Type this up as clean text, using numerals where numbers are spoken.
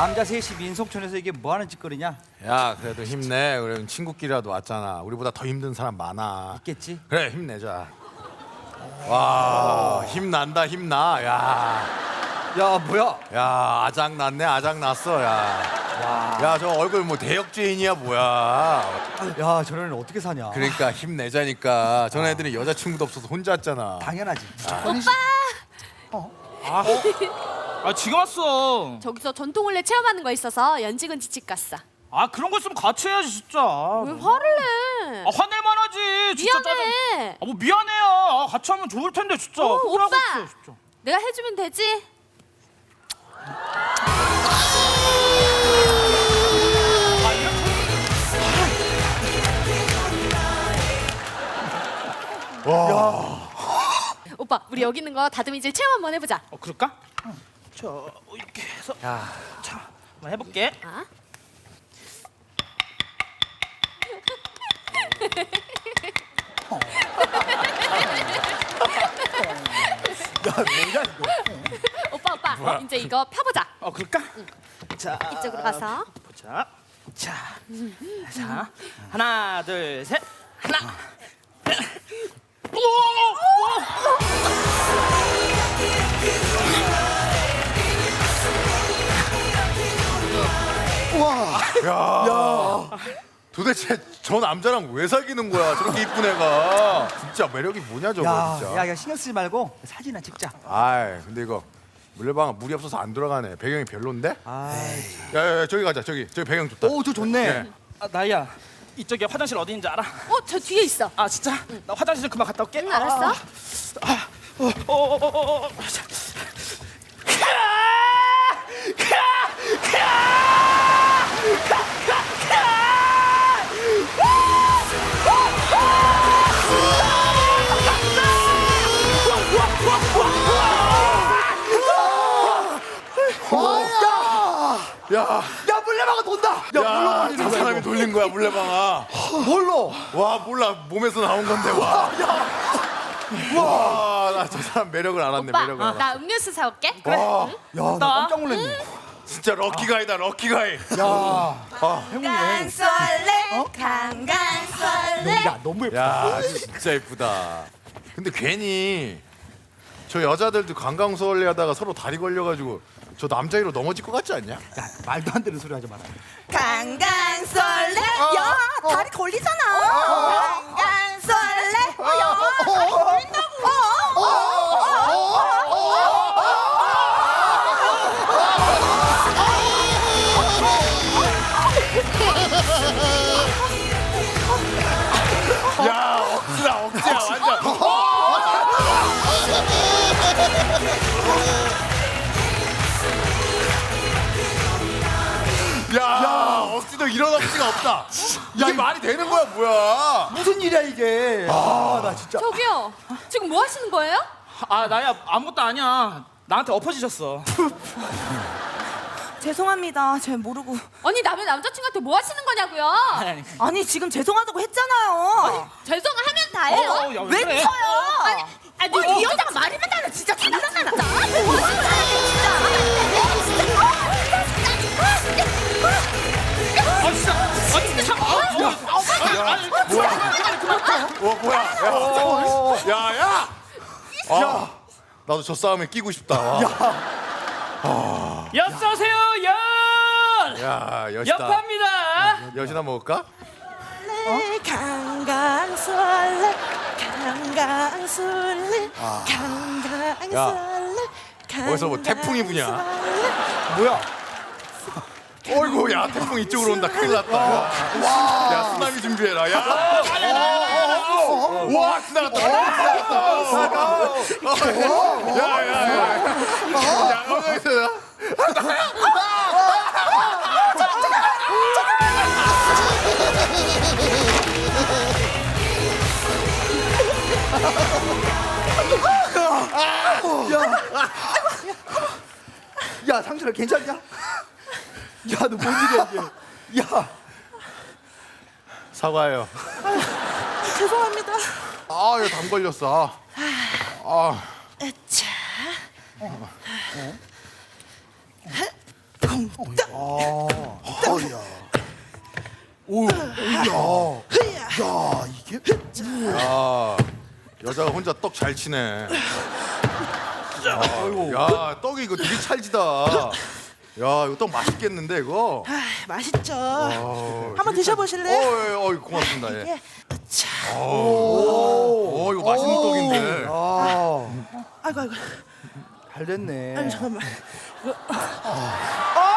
남자 셋이 민속촌에서 이게 뭐 하는 짓거리냐? 야 그래도 힘내. 그럼 친구끼리라도 왔잖아. 우리보다 더 힘든 사람 많아. 있겠지? 그래 힘내자. 와 힘난다 힘나. 야 뭐야? 야 아작 났네 아작 났어. 야 저 얼굴 뭐 대역죄인이야 뭐야. 야 저런 애는 어떻게 사냐? 그러니까 힘내자니까. 전 애들이 여자친구도 없어서 혼자 왔잖아. 당연하지. 아 지금 왔어. 저기서 전통을래 체험하는 거 있어서 연직은 지칙 갔어. 아 그런 거 있으면 같이 해야지 진짜. 왜 화를 내? 아 화낼만 하지. 진짜 미안해. 아뭐 미안해요. 아, 같이 하면 좋을 텐데 진짜. 오빠. 있어, 진짜. 내가 해주면 되지? 오빠 우리 여기 있는 거 다듬이질 체험 한번 해보자. 그럴까? 자 이렇게 해서. 자 한번 해볼게. 아? 야 뭐야 이거? 오빠 이제 이거 펴보자. 그럴까? 자 이쪽으로 가서. 보자. 자 하나 둘 셋. 하나. 도대체 저 남자랑 왜 사귀는 거야? 저렇게 이쁜 애가. 진짜 매력이 뭐냐 저거 진짜. 야 신경 쓰지 말고 사진이나 찍자. 아이 근데 이거 물레방아 물이 없어서 안 들어가네. 배경이 별론데? 아이. 야 저기 가자. 저기 배경 좋다. 오저 좋네. 예. 아 나야 이쪽에 화장실 어디 있는지 알아? 저 뒤에 있어. 아 진짜? 나 화장실 좀 금방 갔다 올게. 응 알았어. 야 물레방아 돈다. 야 저 사람이 돌린 거야 물레방아. 뭘로? 와 몰라 몸에서 나온 건데 와. 나 저 사람 매력을 알았네. 오빠 매력을 알아. 나 음료수 사올게. 와 야나 깜짝 놀랐네. 진짜 럭키가이다 럭키가이. 야 행운이네. 강설레 강강설레. 야 너무 예쁘다. 야 진짜 예쁘다. 근데 괜히 저 여자들도 관광서울래 하다가 서로 다리 걸려가지고 저 남자애로 넘어질 것 같지 않냐? 야 말도 안 되는 소리 하지 마라. 강강설레 야 다리 걸리잖아 강강설레 야 다리 걸린다고 야 억지야 완전. 야 억지도 이런 억지가 없다. 이게 말이 되는 거야 뭐야? 무슨 일이야 이게? 나 진짜. 저기요 지금 뭐 하시는 거예요? 아 나야 아무것도 아니야. 나한테 엎어지셨어. 죄송합니다 잘 모르고 아니 남의 남자친구한테 뭐 하시는 거냐고요? 아니. 아니 지금 죄송하다고 했잖아요 죄송하면 다예요. 야, 왜 그래? 쳐요 아니 이 여자가 말이 맨날 진짜 장난하나 아 진짜. 아 진짜 잠깐. 뭐야? 야야. 나도 저 싸움에 끼고 싶다. 엿쏘세요 엿. 야 여시다. 엿합니다. 여시나 먹을까? 강강설레 강강설레 야 강강설레 어디서 뭐 태풍이 부냐? 뭐야? 어이구 야 태풍 이쪽으로 온다. 큰일 났다. 야 쓰나미 준비해라. 야. 와 지나갔다. 야야야. 야 여기서. 야 상준아 괜찮냐? 야 너 뭔 일이야 이게? 야 사과해요. 죄송합니다 이거 담 걸렸어. 자 쿵 어야. 오, 야, 이게 야, 여자가 혼자 떡 잘 치네. 야, 떡이 이거 되게 찰지다. 야, 이거 떡 맛있겠는데 이거. 아, 맛있죠. 어, 한번 드셔보실래요? 고맙습니다. 예. 예. 자, 이거 맛있는 떡인데. 아, 아이고 아이고. 잘 됐네. 아니 잠깐만.